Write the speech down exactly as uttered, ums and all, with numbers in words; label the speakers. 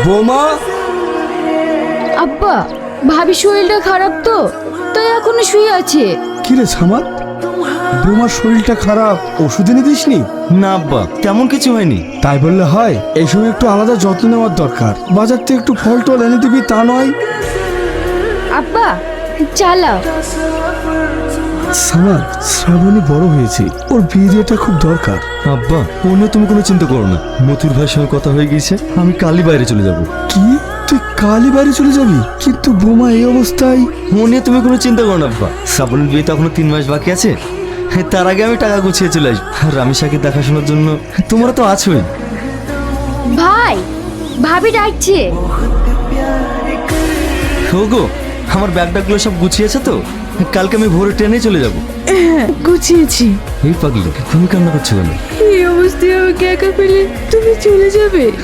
Speaker 1: বোমা।
Speaker 2: আব্বা, ভাবি শরীরটা খারাপ তো, তাই এখনো শুয়ে আছে।
Speaker 1: কি রে সামাদ, বোমার শরীরটা খারাপ, ওষুধ এনে দিসনি?
Speaker 3: না আব্বা, তেমন কিছু হয়নি।
Speaker 1: তাই বললে হয়? এই সময় একটু আলাদা যত্ন নেওয়ার দরকার। বাজার থেকে একটু ফল টল এনে দিবি, তা নয়?
Speaker 2: আব্বা চালাও।
Speaker 1: সামাদ, শ্রাবণী বড় হয়েছে, ওর বিয়েটা খুব দরকার।
Speaker 3: আব্বা, ও নিয়ে তুমি কোনো চিন্তা করো না। মতুর ভাইয়ের সঙ্গে কথা হয়ে গিয়েছে, আমি কালই বাইরে চলে যাব।
Speaker 1: কি, তুই কালই বাড়ি চলে যাবি? কিন্তু বোমা এই অবস্থায়।
Speaker 3: ও নিয়ে তুমি কোনো চিন্তা করো না আব্বা, শ্রাবণের বিয়ে তো এখনো তিন মাস বাকি আছে। তার আগে আমি টাকা গুছিয়ে চলে আসবো। আর রামিসাকে দেখাশোনার জন্য তোমরা তো আছোই।
Speaker 2: ভাই, ভাবি ডাকছে।
Speaker 3: গো, আমার ব্যাগ ট্যাগগুলো সব গুছিয়েছে তো? কালকে আমি ভোরে ট্রেনে চলে যাব।
Speaker 4: হ্যাঁ, গুছিয়েছি।
Speaker 3: এই পাগলি, তুমি কান্না করছো কেন?
Speaker 4: এই অবস্থায় আমাকে একা পেলে তুমি চলে যাবে?